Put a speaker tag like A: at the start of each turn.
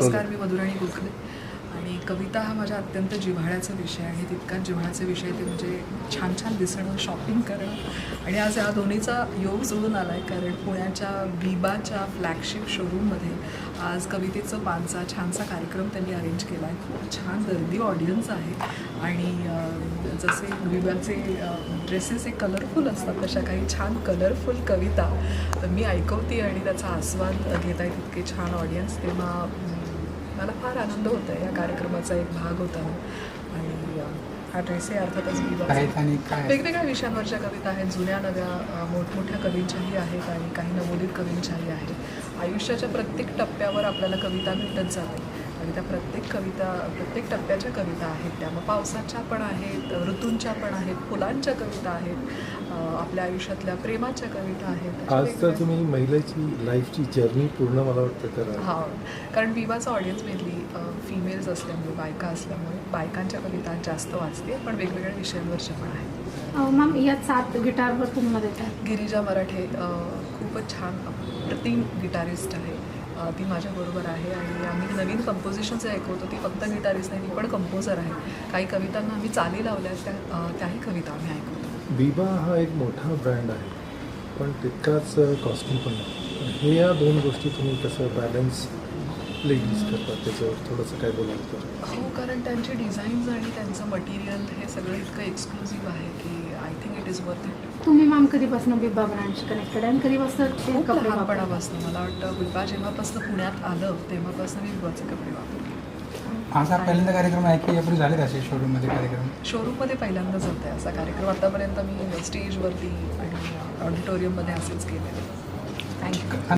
A: नमस्कार, मी मधुराणी गोखले आणि कविता हा माझ्या अत्यंत जिव्हाळ्याचा विषय आहे. तितकाच जिव्हाळ्याचा विषय ते म्हणजे छान छान दिसणं, शॉपिंग करणं आणि आज या दोन्हीचा योग जुळून आला आहे. कारण पुण्याच्या विबाच्या फ्लॅगशिप शोरूममध्ये आज कवितेचं पानचा छानसा कार्यक्रम त्यांनी अरेंज केला आहे. खूप छान गर्दी ऑडियन्स आहे आणि जसे विबाचे ड्रेसेस हे कलरफुल असतात तशा काही छान कलरफुल कविता मी ऐकवते आणि त्याचा आस्वाद घेत आहे. तितके छान ऑडियन्स, तेव्हा मला फार आनंद होत आहे. या कार्यक्रमाचा एक भाग होता आणि हा ड्रेसही अर्थातच वेगवेगळ्या विषयांवरच्या कविता आहेत. जुन्या नव्या मोठमोठ्या कवींच्याही आहेत आणि काही नवोदित कवींच्याही आहेत. आयुष्याच्या प्रत्येक टप्प्यावर आपल्याला कविता भेटत जाते आणि त्या प्रत्येक टप्प्याच्या कविता आहेत. त्या मग पावसाच्या पण आहेत, ऋतूंच्या पण आहेत, फुलांच्या कविता आहेत, आपल्या आयुष्यातल्या प्रेमाच्या कविता आहेत.
B: आज तर तुम्ही महिलेची लाईफची जर्नी पूर्ण मला वाटतं करा.
A: हां, कारण विवाचा ऑडियन्स मेनली फिमेल्स असल्यामुळे, बायका असल्यामुळे बायकांच्या कविता जास्त वाचते, पण वेगवेगळ्या विषयांवरच्या पण आहेत.
C: मॅम या 7 गिटारवर तुम्हाला देतात.
A: गिरिजा मराठे खूपच छान अप्रतिम गिटारिस्ट आहे. ती माझ्याबरोबर आहे आणि आम्ही नवीन कंपोजिशन जे ऐकवतो ती फक्त गिटारिस्ट नाही, ती पण कंपोजर आहे. काही कवितांना आम्ही चाली लावल्या, त्याही कविता आम्ही ऐकवतो.
B: विबा हा एक मोठा ब्रँड आहे, पण तितकाच कॉस्टली पण आहे. हे या दोन गोष्टी तुम्ही कसं बॅलन्स यूज करतात त्याच्यावर थोडंसं काय बोलाल तर?
A: हो, कारण त्यांचे डिझाईन्स आणि त्यांचं मटेरियल हे सगळं इतकं एक्सक्लुझिव्ह आहे की I think it is worth it.
C: तुम्ही मॅम कधीपासून विबा ब्रँडशी कनेक्टेड आणि कधीपासून ते
A: खूप
C: कपडे
A: लहानपणापासून मला वाटतं विबा जेव्हापासून पुण्यात आलं तेव्हापासून मी विबाचे कपडे वापरते.
D: आज हा पहिल्यांदा कार्यक्रम आहे की यापूर्वी झाले असे शोरूममध्ये कार्यक्रम?
A: शोरूममध्ये पहिल्यांदाच होता आहे असा कार्यक्रम. आतापर्यंत मी स्टेजवरती आणि ऑडिटोरियममध्ये असेच केलेले. थँक्यू.